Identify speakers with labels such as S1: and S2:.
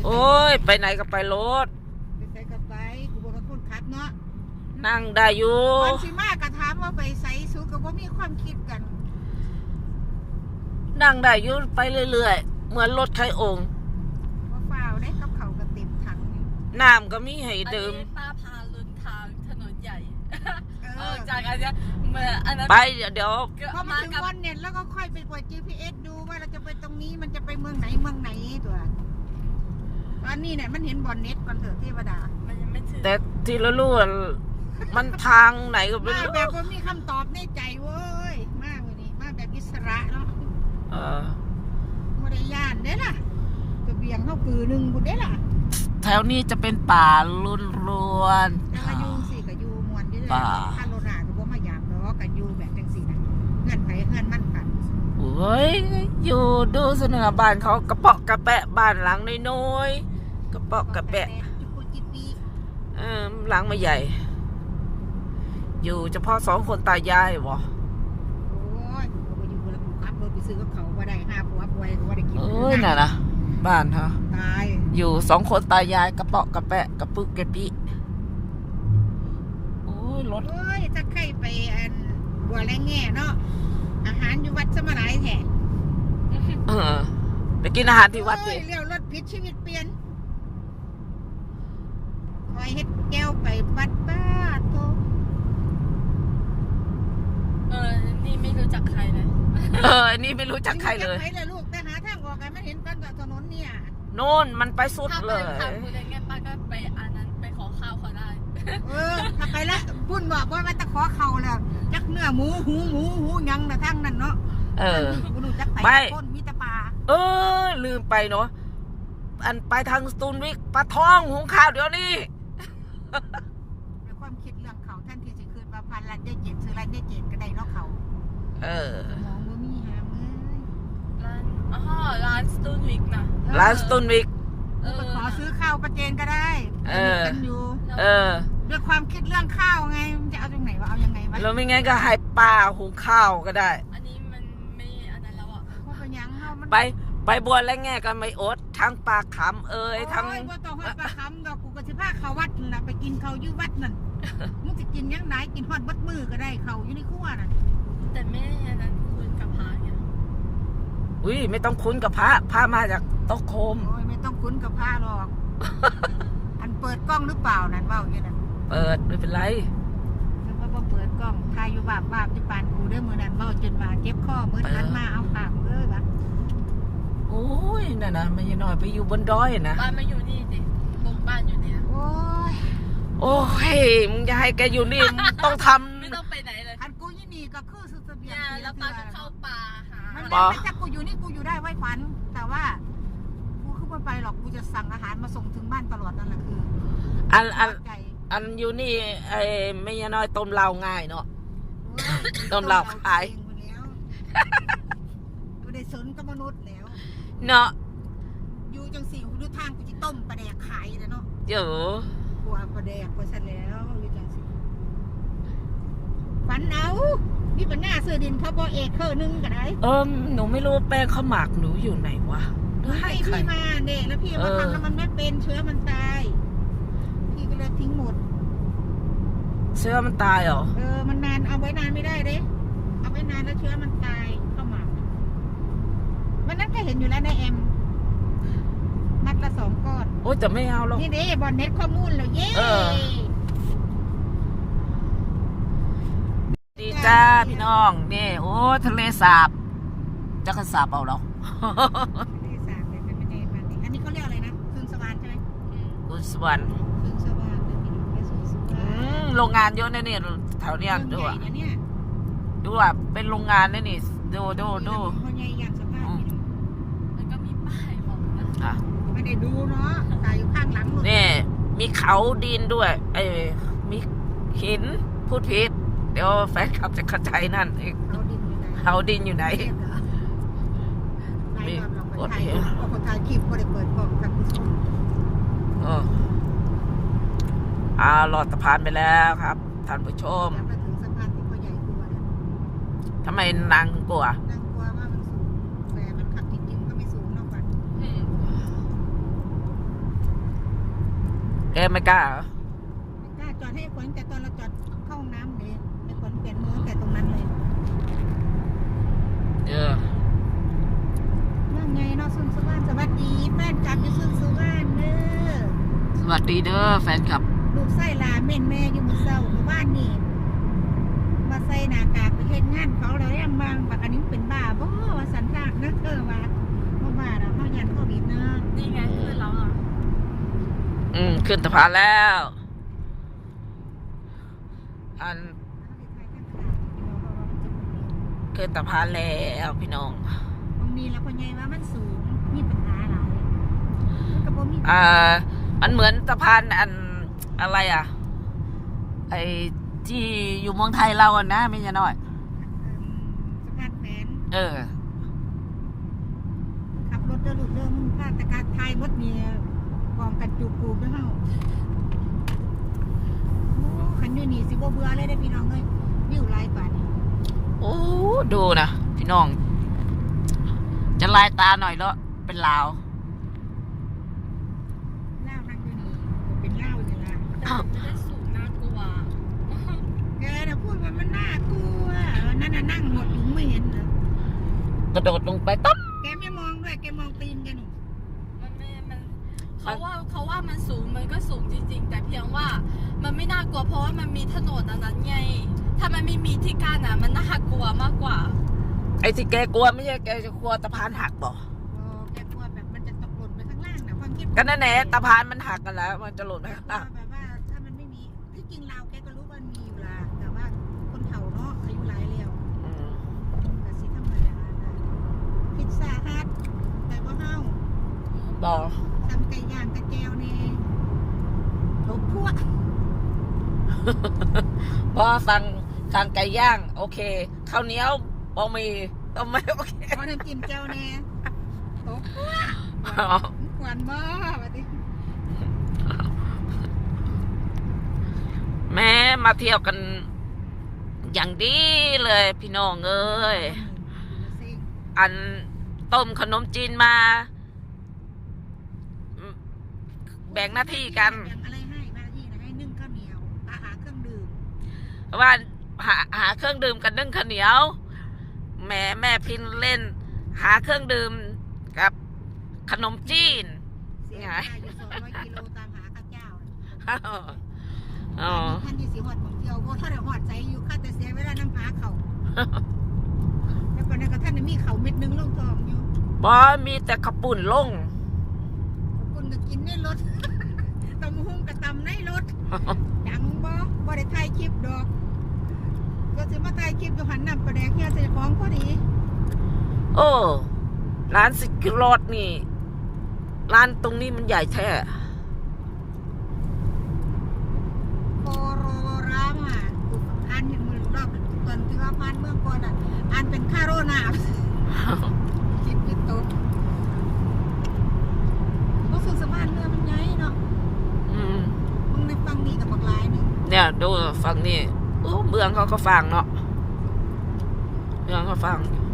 S1: โอ้ยไปไหนก็ไปรถ
S2: ไปใส่กับไปกูบอกกับคนขับเนาะ
S1: นั่งได้อยู่
S2: ตอนสิมากระถามว่าไปใส่สูกับว่ามีความคิดกัน
S1: นั่งได้อยู่ไปเรื่อยๆเหมือนรถไถองค์
S2: ว่าเปล่าได้กับเขากระเต็มถัง
S1: น้ำก็มีให้ดื่ม
S3: ป้าพาลุนทางถนนใหญ่จากอันนี้เมื่ออันนั้น
S1: ไปเดี๋ยว
S2: พอมาถึงวันเน็ตแล้วก็ค่อยไปกด GPS ดูว่าเราจะไปตรงนี้มันจะไปเมืองไหนตัวตอนนี้เนี่ยมันเห็นบอลเน็ตก่อนเถอะเทวดา
S3: มันยังไม่ถึง
S1: แต่ที่ละลู่มันทางไหนก็ไม่รู้
S2: มาแบบว่ามีคำตอบในใจเว้ยมากเลยนี่มาแบบอิสระเนาะไม่ได้ย่านเด้ล่ะจะเบี่ยงเข้าปือหนึ่งบุญเด้ล่ะ
S1: แถวนี้จะเป็นป่าล้วน
S2: ๆแล้วก็ยูสิกับยูมวนนี่เลยถ้าโลนาก็บ่มาหยาบเนาะกับยูแบบจังสี่นะเงื่อนไขเงื่อนมั่นกัน
S1: โอ้ยอยู่ดูเสนอบ้านเขากระเปาะกระแปะบ้านหลังน้อยๆกระเปาะกระแปะหลังไม่ใหญ่อยู่เฉพาะ2 คนตายายวะ
S2: โอ้ยเขาไปอยู่แล้วขับรถไปซื้อกับเขาว่าได้5 ผัวป่วยว่าได้กิน
S1: น่ะนะบ้านฮะ
S2: ตาย
S1: อยู่2 คนตายายกระเปาะกระแปะกระปึกกระปิโอ้ยรถ
S2: โอ้ยถ้าใครไปบัวแรงแง่เนาะอาหารอยู่วัดสมรายแท้
S1: ไปกินอาหารที่วัดสิ
S2: เลี้ยวรถผิดชีวิตเปลี่ยนคอยเฮ็ดแก้วไปวัดบ้าโต
S3: นี่ไม่รู้จักใครเลย
S1: นี่ไม่รู้จักใครเลย
S2: ใครเลยลูกแต่หาทางออกกันไม่เห็นกันกับถนนเนี่ย
S1: โน่นมันไปสุดเลย
S3: ถ้าไปทางไงป้าก็ไปอันนั้นไปขอข้าวเขาได้
S2: ถ้าไปแล้วพุ่นบอกว่ามันจะขอเขาแล้วจักเนื้อหมูหูยังนะทั้งนั้นเนาะไม่คนมีแต่ปลา
S1: ลืมไปเนาะอันไปทางสตูลวิกปลาทองหุงข้าวเดี๋ยวนี้
S2: ในความคิดเรื่องเขาท่านที่จะคืนมาพันล้านได้เจ็ดซื้อล้านได้เจ็ดก็ได้เนาะเขามองว่ามีหาม
S3: เลยร้านสตูนวิกนะ
S1: ร้านสตูนวิก
S2: ไปขอซื้อข้าวประเจนก็ได้กันอยู่ด้วยความคิดเรื่องข้าวไงมันจะเอาตรงไหนวะเอายังไงวะ
S1: แล้วไม่งั้นก็ให้ป้าหุงข้าวก็ได้
S3: อันนี้มันไม่อันนั้นแล้วอ่ะ
S2: เพราะเป็นยังเข้ามัน
S1: ไปบัวและแง่กันไม่อดทั้งปลาขำทั้ง
S2: ว่าต้องให้ปลาขำดอกกูก็จะพาเขาวัดน่ะไปกินเขาอยู่วัดนั่นมึงจะกินยังไงกินฮอดบัดมือก็ได้เขาอยู่ในครัวน่ะ
S3: แต่ไม่อันนั้นคุ้นกับพระเนี่ย
S1: ไม่ต้องคุ้นกับพระมาจากโต๊ะโคม
S2: ไม่ต้องคุ้นกับพระหรอกอันเปิดกล้องหรือเปล่านั่นเบ้าอย่างนั้น
S1: เปิดไม่เป็นไร
S2: แล้วก็เปิดกล้องทายอยู่บาปที่ปานกูเด้อมือนั้นเบ้าจนมาเจ็บข้อมือนั้นมาเอาปากเลยปะ
S1: โอ้ยน่ะนะไม่ยังน้อยไปอยู่บนดอยนะ
S3: บ้านมาอยู่นี่สิบ้านอยู่นี่
S2: โอ้
S1: ยมึงจะให้แกอยู่นี่ต้องท
S3: ำไม่ต้องไปไหนเลย
S2: อันกูยี่นี่ก็คือสุดเบีย
S3: ร์แล้วป้าจะเข้าป่าหา
S2: ไม่ใช่กูอยู่นี่กูอยู่ได้ไว้ฝันแต่ว่ากูขึ้นไปหรอกกูจะสั่งอาหารมาส่งถึงบ้านตลอดนั่นแหละคือ
S1: อันอยู่นี่ไอ้ไม่ยังน้อยต้มเหล้าง่ายเนาะต้มเหล้าขาย
S2: กูได้สนกับมนุษย์แล้ว
S1: เนาะ
S2: อยู่จังสี่ดูทางกูจะต้มปลาแดกขายแล้วเนาะ
S1: เดี๋ยว
S2: กลัวปลาแดกไปซะแล้วอยู่จังสี่ฝันเอานี่เป็นหน้าเสื้อดินเขาบอกเอกเคอร์นึงกันไหน
S1: หนูไม่รู้แป้งข้าวหมากหนูอยู่ไหนวะ
S2: ให้พี่มาเด็กแล้วพี่มาทำแล้วมันไม่เป็นเชื้อมันตายพี่ก็เลยทิ้งหมด
S1: เชื้อมันตายเหรอ
S2: มันนานเอาไว้นานไม่ได้เด้เอาไว้นานแล้วเชื้อมันตายข้าวหมากวันนั้นก็เห็นอยู่แล้วในเอ็มนัดละ2 ก้อน
S1: โอ้แต่ไม่เอาหรอก
S2: นี่เด้บอลเน็ตข้อมูลเลยเย้
S1: ดีจ้าพี่น้องนี่โอ้ทะเลสาบจะกระสาบเอาหรอ
S2: ทะเลสาบเลยเป็นไม่ได้แบบนี้อันนี้เขาเรียกอะไรนะคืนสวรรค์ใช่ไหม
S1: คืนสวรรค์
S2: คืนสวรรค์เลยพี่น้องไปสู่สวรรค์
S1: โรงงานเยอะแน่เนี่ยแถวเนี้ยดูอ่ะดูอ่ะเป็นโรงงานแน่นี่ดู
S2: คนใหญ่อย่างสภาพพี่น้อง
S3: มันก็มีป้ายบอกนะ
S2: ไม่ได้ดูเนาะตายอยู่ข้างหลัง
S1: นี่มีเขาดินด้วยมีหินพูดผิดเดี๋ยวแฟนคลับจะเข้าใจนั่นเองเขาดินอยู่ไหน
S2: มีคนถ่ายคลิปก็ได้เปิดกล้องกันผู้ชม
S1: หลอดสะพานไปแล้วครับท่านผู้ชม
S2: มาถึงสะพานที่พ่อใหญ่กลัวเนี่ย
S1: ทำไมนางกลัว
S2: นางกลัวว่ามันสูงแต่มันขับจริงๆก็ไม่สูงนอกจาก
S1: แกไม่กล้าเหรอ
S2: ไม่กล้าจอดให้ขวัญแต่ตอนเราจอดเข้าห้องน้ำเลยไอ้ขวัญเปลี่ยนมือแต่ตรงนั้นเลย ว่าไงเนาะสุนสุวรรณสวัสดีแฟนกลับอยู่สุนสุวรรณเด้อ
S1: สวัสดีเด้อแฟนคลับ
S2: ลูกไส้ลาเม่นแม่อยู่มื้อเช้าเมื่อวานนี่มาใส่หน้ากากไปเฮ็ดงานเขาแล้วยังบางบักอันนี้เป็นบ้าบ่ว่าสันทากนะว่าบ่บ้าดอกเฮายันโควิดนะ
S3: นี่ไงคือเราอ่ะ
S1: ขึ้นสะพานแล้ว ขึ้นสะพานแล้วพี่น้อง
S2: บางนี้แล้วพ่อใหญ่ว่ามันสูงมีปัญหาหลายมันก็บ่มี
S1: มันเหมือนสะพานอะไรอ่ะ ไอที่อยู่เมืองไทยเราอ่ะนะไม่ใช่น้อย
S2: สะพานแขวน
S1: เออ
S2: ขับรถเด้อลูกเด้อมึงพลาดแต่การทายมดเนี่ยกองกันจูบปูเด้อเฮาโอ้คันอยู่นี่สิบ่เบื่อเลยเด้อพี่น้องเอ้ยวิวหลายกว่านี่
S1: โอ้ดูนะพี่น้อง จะลายตาหน่อยแล้วเป็นลาว
S2: เล่านั่งอยู่นี่ก็เป็นเล่าอยู่ละ
S3: แต่มันไม่ได้สูงน่ากลัว
S2: แกน่ะพูดว่ามันน่ากลัวนั่นน่ะนั่งหมดอยู่ไม่เห็นเหรอก
S1: ระโดดลงไปต๊บ
S2: แกไม่มองด้วยแกมองตีนแกหนู
S3: มันไม่มันเขาว่ามันสูงมันก็สูงจริง ๆ แต่เพียงว่ามันไม่น่ากลัวเพราะว่ามันมีถนนอันนั้นไง ถ้ามันไม่มีที่กั้นอ่ะมันน่ากลัวมากกว่า
S1: ไอ้ที่แกกลัวไม่ใช่แกจะกลัวสะพานหักบ่
S2: อ๋อแกกลัวแบบมันจะตกหล่นไปข้างล่างนะความคิด
S1: ก็นั่นแหละสะพานมันหักกันแล้ว มันจะหล่นไปข้าง
S2: ว่า
S1: ล่าง
S2: แบบว่าถ้ามันไม่มีที่จริงเราแกก็รู้ว่ามันมีอยู่ละแต่ว่าคนเฒ่าเนาะอายุหลายแล้ว แต่สิธรรมดานะพิซซ่าฮัทแต่ว่าเฮา
S1: บ่
S2: ทำไก่ย่างกระเจวนี่ทุกพวก
S1: พอสั่งไก่ย่าง โอเคข้าวเหนียวบะหมี่ก็ไม่โอเค
S2: พอน้ำจิ้มเจ้าแน่ทุกพวกกวนบ่ว่าติ
S1: แม้มาเที่ยวกันอย่างดีเลยพี่น้องเอ้ย อันต้มขนมจีนมา แบ่งหน้าที่กัน
S2: แบ่งอะไรให้หน้าที่นะให้นึ่งข้าวเหนียวอาหารเครื่องดื่ม
S1: ว่าหาเครื่องดื่มกันนึ่งข้าวเหนียว แม่พินเล่น หาเครื่องดื่มกับขนมจีน
S2: เสียค่าอยู่200 กิโลตามหาข้าวเจ้า
S1: อ๋อ
S2: ท่านที่สิฮอดของเที่ยวบ่ถ้าได้ฮอดใจอยู่ค่าแต่เสียเวลาน้ำหาเขาแล้วก็นั่นก็ท่านมีเขาเม็ดนึงลงทองอยู่
S1: บอมีแต่ขปุ่นลง
S2: คุณก็กินในรถ ตำหุ่งกับตำในรถ ดังบ่ได้ถ่ายคลิปดอกก็สิมาถ่ายคลิปอยู่หันน้ำประแดกเฮียใส่ของพอดี
S1: โอ้ร้านสิกรอดนี่ ร้านตรงนี้มันใหญ่แท้
S2: โคโรรามาอ่านเห็นมือรอบตอนที่ว่าผ่านเมืองก่อนอ่ะอ่านเป็นคาโรนาคิดผิดตกบ่สุขสมานเรือมันใหญ่เนาะ มึงในฟังนี่กับบักลายนึง
S1: เนี่ยดูฝั่งนี้โอ้เมืองเขาก็ฟังเนาะเมืองเขาฟังอยู่